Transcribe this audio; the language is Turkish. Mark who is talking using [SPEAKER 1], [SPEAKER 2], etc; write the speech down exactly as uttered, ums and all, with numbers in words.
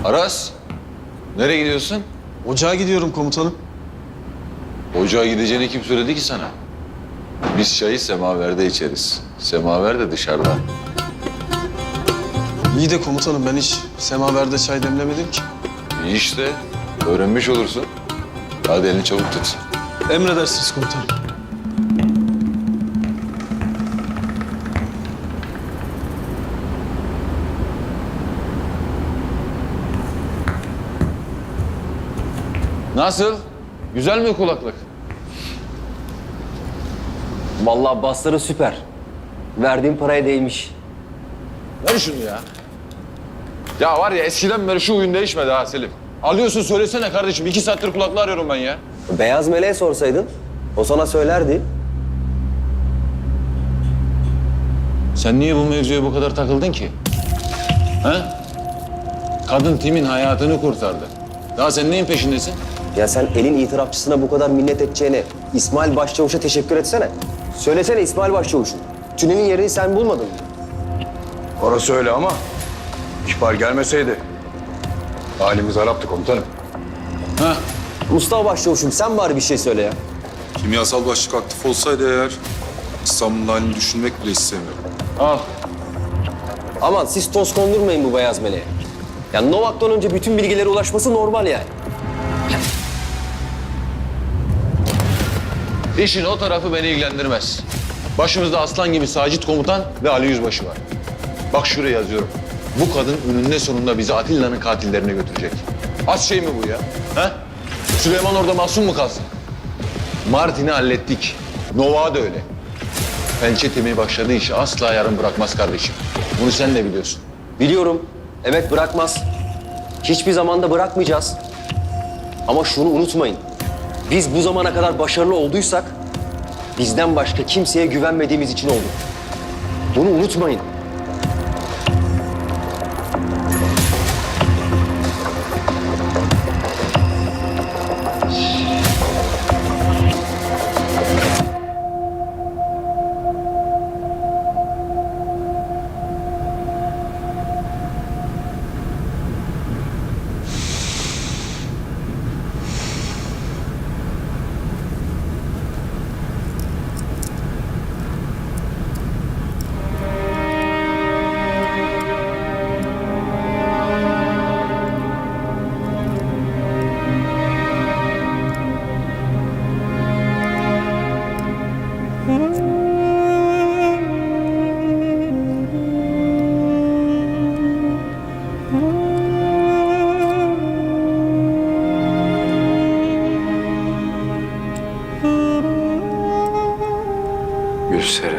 [SPEAKER 1] Aras, nereye gidiyorsun?
[SPEAKER 2] Ocağa gidiyorum komutanım.
[SPEAKER 1] Ocağa gideceğini kim söyledi ki sana? Biz çayı semaverde içeriz. Semaver de dışarıda.
[SPEAKER 2] İyi de komutanım ben hiç semaverde çay demlemedim ki.
[SPEAKER 1] İyi işte, öğrenmiş olursun. Hadi elini çabuk tut.
[SPEAKER 2] Emredersiniz komutanım.
[SPEAKER 1] Nasıl? Güzel mi kulaklık?
[SPEAKER 3] Vallahi basları süper. Verdiğim paraya değmiş.
[SPEAKER 1] Ver şunu ya. Ya var ya eskiden beri şu oyun değişmedi ha Selim. Alıyorsun söylesene kardeşim. İki saattir kulaklığı arıyorum ben ya.
[SPEAKER 3] Beyaz Meleğe sorsaydın, o sana söylerdi.
[SPEAKER 1] Sen niye bu mevzuya bu kadar takıldın ki? Ha? Kadın Tim'in hayatını kurtardı. Daha sen neyin peşindesin?
[SPEAKER 3] Ya sen elin itirafçısına bu kadar minnet edeceğine İsmail Başçavuş'a teşekkür etsene. Söylesene İsmail Başçavuş'un. Tünelin yerini sen bulmadın mı?
[SPEAKER 4] Orası öyle ama ihbar gelmeseydi halimiz haraptı komutanım.
[SPEAKER 1] Ha?
[SPEAKER 3] Mustafa Başçavuş'um sen bari bir şey söyle ya.
[SPEAKER 5] Kimyasal başlık aktif olsaydı eğer İstanbul'un halini düşünmek bile istemiyorum.
[SPEAKER 1] Al.
[SPEAKER 3] Aman siz toz kondurmayın bu Beyaz Meleğe. Ya Novak'tan önce bütün bilgilere ulaşması normal yani.
[SPEAKER 1] İşin o tarafı beni ilgilendirmez. Başımızda aslan gibi Sacit komutan ve Ali Yüzbaşı var. Bak şuraya yazıyorum. Bu kadın önünde sonunda bizi Atilla'nın katillerine götürecek. Az şey mi bu ya? Ha? Süleyman orada masum mu kalsın? Martin'i hallettik. Nova da öyle. Pençe temi başladığı işi asla yarım bırakmaz kardeşim. Bunu sen de biliyorsun.
[SPEAKER 3] Biliyorum. Evet bırakmaz. Hiçbir zamanda bırakmayacağız. Ama şunu unutmayın. Biz bu zamana kadar başarılı olduysak bizden başka kimseye güvenmediğimiz için olduk. Bunu unutmayın.
[SPEAKER 4] Gülseren.